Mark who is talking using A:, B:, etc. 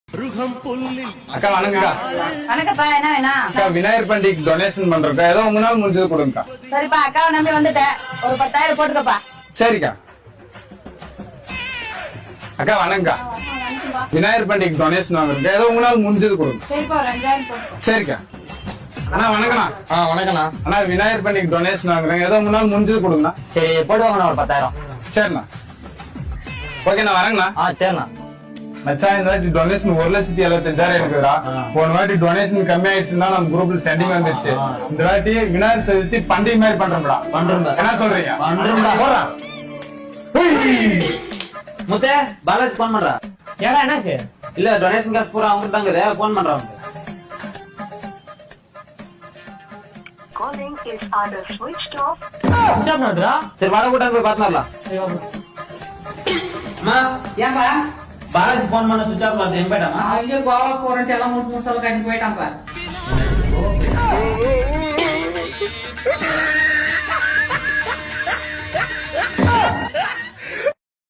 A: அக்கா வணக்கம்க்கா.
B: வணக்கப்பா, என்ன வேணா?
A: அக்கா விநாயகர் பண்டிகைக்கு டொனேஷன் பண்றோம்க்கா. ஏதோ உங்களால முடிஞ்சது கொடுங்கக்கா.
B: சரிப்பா, அக்காவை நம்பி வந்துட்டேன். ஒரு 10,000 போட்டுக்கப்பா.
A: சரிக்கா. அக்கா வணக்கம்க்கா. விநாயகர் பண்டிகைக்கு டொனேஷன் வாங்குறோம்க்கா. ஏதோ உங்களால முடிஞ்சது கொடுங்க.
B: சரிப்பா, ஒரு 5,000 போட்டு.
A: சரிக்கா. அண்ணா வணக்கண்ணா.
C: வணக்கண்ணா.
A: அண்ணா விநாயகர் பண்டிகைக்கு டொனேஷன் வாங்குறேன். ஏதோ உங்களால முடிஞ்சது கொடுங்கண்ணா.
C: சரி போடுவாங்கண்ணா ஒரு 10,000.
A: சரிண்ணா. ஓகேண்ணா வரேங்கண்ணா.
C: சரிண்ணா.
A: மச்சான் இந்த வாட்டி டொனேஷன் 1,75,000 இருக்குதுடா. போன வாட்டி டொனேஷன் கம்மி ஆயிடுச்சுன்னா நம்ம குரூப்ல சென்டிங் வந்துருச்சு. இந்த வாட்டி விநாயகர் சதுர்த்தி பண்டிகை மாதிரி பண்றோம்டா. என்ன சொல்றீங்க? போறா.
C: முத்தே பாலாஜி போன் பண்றா.
D: ஏடா என்னாச்சு?
C: இல்ல டொனேஷன் காசு பூரா அவங்க தாங்க போன் பண்றாங்க.
E: Calling is either switched off.
D: Stop பண்ணுடா.
C: சரி வர கூட்டாங்க போய் பாத்துறலாம்.
D: சரி வா.
C: அம்மா ஏன்பா பாலாஜி போன் பண்ண சுவிட்ச் ஆஃப் பண்ணது எங்க போயிட்டாமா?
D: அங்க கோவா போறேன்ட்டு எல்லாம் மூணு மூணு சொல்ல கட்டி போயிட்டான்ப்பா.